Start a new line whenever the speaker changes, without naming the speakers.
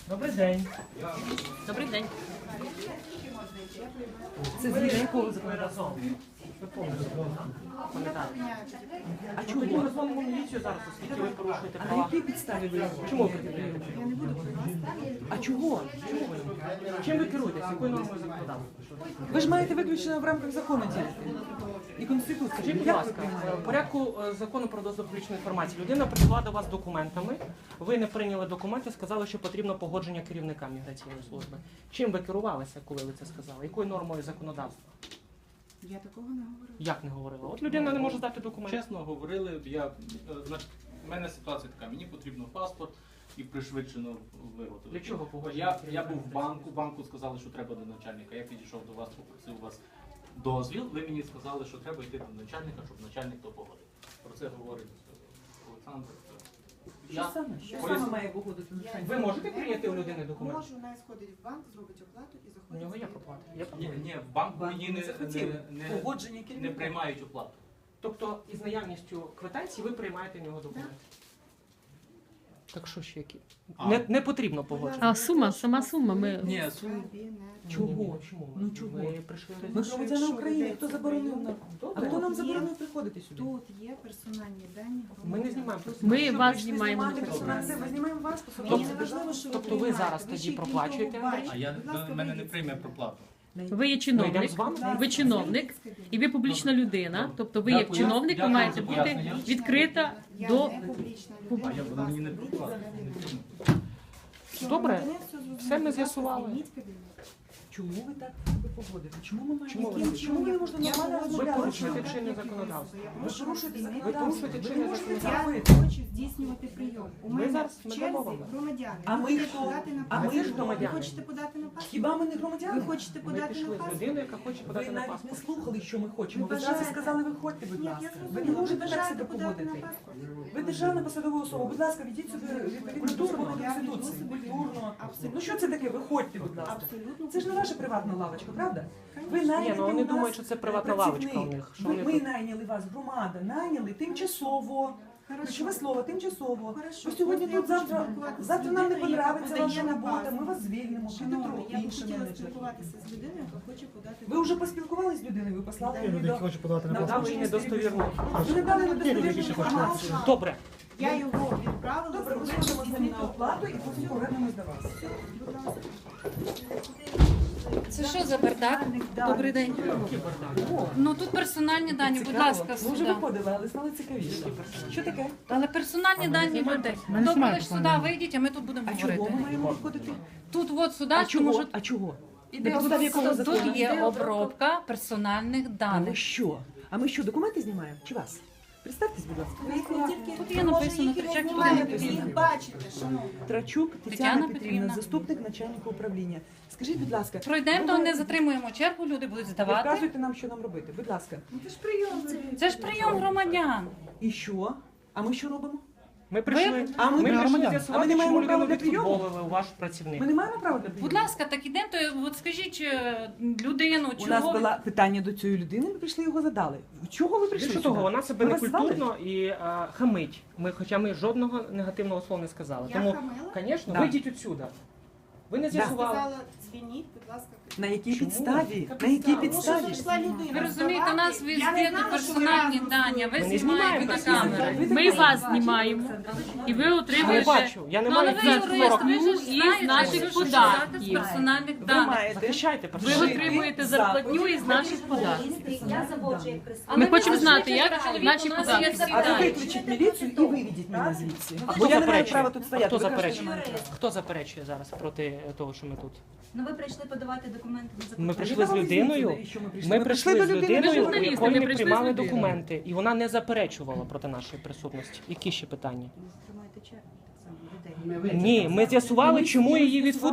Добрий день.
Добрий день.
Це згідно якого законодавства? Ви пам'ятаєте? А чому? Ми розмовимо міліцію зараз, оскільки ви порушуєте
А на
права.
якій підставі ви?
Чому ви приділяєте? А чого? Чому ви? Чим ви керуєтесь? Якою нормою законодавства?
Ви ж маєте виключно в рамках закону діяти. І Конституції.
Скажіть, будь
Як ви
ласка,
приймаєте?
в порядку закону про доступ до публічної інформації людина прийшла до вас з документами, ви не прийняли документи, сказали, що потрібно погодження керівника міграційної служби. Чим ви керувалися, коли ви це сказали? Якою нормою законодавства?
Я такого не говорила.
Як не говорила? От людина не може здати документи.
Чесно говорили, значить, в мене ситуація така, мені потрібно паспорт і пришвидшено виготовити.
Для чого погодження?
Я був в банку сказали, що треба до начальника. Я підійшов до вас, попросив у вас дозвіл, ви мені сказали, що треба йти до начальника, щоб начальник то погодив. Про це говорить Олександр.
Що саме? Що
поясню.
саме має погодити начальник?
Ви можете прийняти у людини документи?
Можу, вона сходить в банк, зробить оплату і
У
заходить.
нього є проплата. Є проплата.
Ні, в банку
Банк
мені
не захотів. Погодження
не
керівника.
приймають оплату.
Тобто із наявністю квитанції ви приймаєте в нього документи? Так що ще які? Не потрібно погодження.
А сума, сама сума. Ми...
Ні,
Чого? Чому?
Ну, чого?
Ви прийшли
Ми громадяни України, хто заборонив нам? А
Добре.
хто нам заборонив приходити сюди?
Тут є персональні дані.
Ми не знімаємо.
Ми
Що,
вас
прийшли
знімаємо.
знімати персональне? Ми знімаємо вас,
Мені
особисто.
не важливо, що
тобто ви
приймаєте.
зараз тоді
ще
проплачуєте?
нікого бачите.
а я
Будь ласка,
мене не
вийдіть.
прийме проплату.
Ви є
Ми йдемо
чиновник,
з вами?
ви чиновник, і ви публічна людина. Тобто ви як
Дякую.
чиновник, ви
Дякую
маєте
за
бути
пояснення.
відкрита
Я
до...
не публічна
А
людина.
я
будь
воно мені не
ласка,
проплату.
вийдіть за мене.
Добре.
Мене все зрозуміло.
Все ми
Будь ласка,
з'ясували.
звільніть кабінет.
Чому ви так себе поводите? Чому ми
Чому
маємо?
ви-
Чому ми не можемо
Я
нормально
погоджуюсь.
Ви
розмовляти?
порушуєте
Чому?
чинне законодавство.
Ви порушуєте
Ви
законодавство.
порушуєте
Ви
чинне
не можете це
законодавство.
Я
робити.
хочу здійснювати прийом. У
Ми
мене
зараз
в
не
черзі
дамо вам.
громадяни.
А
Ви
ми
хочете
хто?
подати на
А ми
паспорт?
ж
громадяни.
Ви хочете подати на паспорт?
Хіба ми не громадяни?
Ви хочете
Ми
подати
пішли
на
з
паспорт?
людиною, яка хоче
Ви
подати на
навіть не
паспорт.
слухали, що ми хочемо.
Ви
Ви зразу
бажаєте?
сказали, виходьте, будь
Ні, я
ласка.
зрозуміла.
Ви не можете так
бажаєте
себе
подати
поводити.
на паспорт?
Ви державна посадова особа. Будь ласка, ведіть себе відповідно до закону Конституції. Культурно.
Абсолютно.
Ну що це таке? Виходьте, будь ласка.
Абсолютно.
Це ж не ваша приватна лавочка, правда? Ви
Ні,
найняли
ну вони
у нас
думають, що це приватна
працівник.
лавочка у них. Що
Ми
вони тут?
найняли вас, громада, найняли тимчасово.
Хорошо.
Ключове слово тимчасово.
Хорошо.
Ви сьогодні
От я
тут,
хочу
завтра
спілкуватися з
нам не
людиною, яка
подобається ваша
подає на
робота,
паспорт.
ми вас звільнимо, піде
Шановна,
трохи
я б
інший
хотіла
менеджер.
спілкуватися з людиною, яка хоче подати.
Ви вже поспілкувалися з людиною, ви послали
Ні,
її до...
Хочу подати на
Надали їй недостовірну.
Ви не дали недостовірну інформацію.
Добре.
Я його відправила.
Добре, ми
зробила
сходимо з ним на оплату і потім повернемось до вас.
Будь ласка.
Це що за бардак? Добрий день.
О,
Ну тут персональні дані, будь
цікаво.
ласка,
Ми вже
сюди.
виходили, але стали цікавіше. Що таке?
Але персональні дані людей. Добре, лише сюди вийдіть, а ми тут будемо
А чого ми
говорити.
маємо виходити?
Тут от сюди,
А
тому
чого?
що
А чого?
іде
На підставі якого закону?
тут є
Іде
обробка персональних
А ми
даних.
що? А ми що, документи знімаємо? Чи вас? Представтесь, будь ласка.
Тут є написано Тричак Тетяна
Ви їх
Петрівна.
бачите, шановні.
Трачук Тетяна
Тетяна
Петрівна,
Петрівна.
заступник начальника управління. Скажіть, будь ласка,
Пройдемо, то
ви
не затримуємо чергу, люди будуть здавати.
вказуйте нам, що нам робити. Будь ласка.
Це ж прийом.
Це ж прийом громадян.
І що? А ми що робимо?
Ми прийшли.
А ми
Ми прийшли
громадяни. А ми
з'ясувати,
не
чому
маємо права
людину
для прийому?
відфутболили у ваш працівник.
Ми не маємо права для прийому?
Будь ласка, так ідемо, то от скажіть людину,
У нас
чого ви-
було питання до цієї людини, ми прийшли його задали. Чого ви прийшли
Більше
сюди?
того, вона себе
Ми вас звали?
некультурно і хамить. Хоча ми жодного негативного слова не сказали.
Я
Тому,
хамила?
звісно,
Да.
вийдіть відсюди. Ви не з'ясували.
Сказала, дзвініть, будь ласка.
На якій
Чому?
підставі? На якій підставі?
Прийшла людина.
Ви розумієте, у нас
здавати. Я не
везде
знала,
тут
що
персональні
ви
дані,
разом
ви
не
знімаєте на
знімаємо
камеру.
Ми вас знімаємо. І ви
Я не
отримуєте
бачу. Я не
Ну, але
маю
ви
за
юрист,
40.
ви ж
із
знаєте,
наших
що
податків.
з персональних
Ви
даних.
маєте
Захищайте
Ви
персонал.
отримуєте зарплатню із наших податків.
Я заводжу як представник.
Але
Ми
ви
хочемо
ж
знати,
знаєте,
як
чоловік
наші
у нас
податки
є всі
А ви
дані.
виключіть міліцію і виведіть мене звідси.
А
Бо
хто
я не маю
заперечує?
права тут стояти.
Хто
Ви кажете,
заперечує?
що немає права.
Хто заперечує зараз проти того, що ми тут?
Ну ви прийшли подавати документи на закупівлю.
Ми прийшли з людиною.
І що ми прийшли?
Ми
Ми
прийшли
прийшли
з
до людини,
людиною, у
журналісти,
якої
ми
ми
прийшли
приймали
з людиною.
документи, і вона не заперечувала проти нашої присутності. Які ще питання?
Тримайте чергу так само людей.
Ні, ми з'ясували, чому її відфутболили.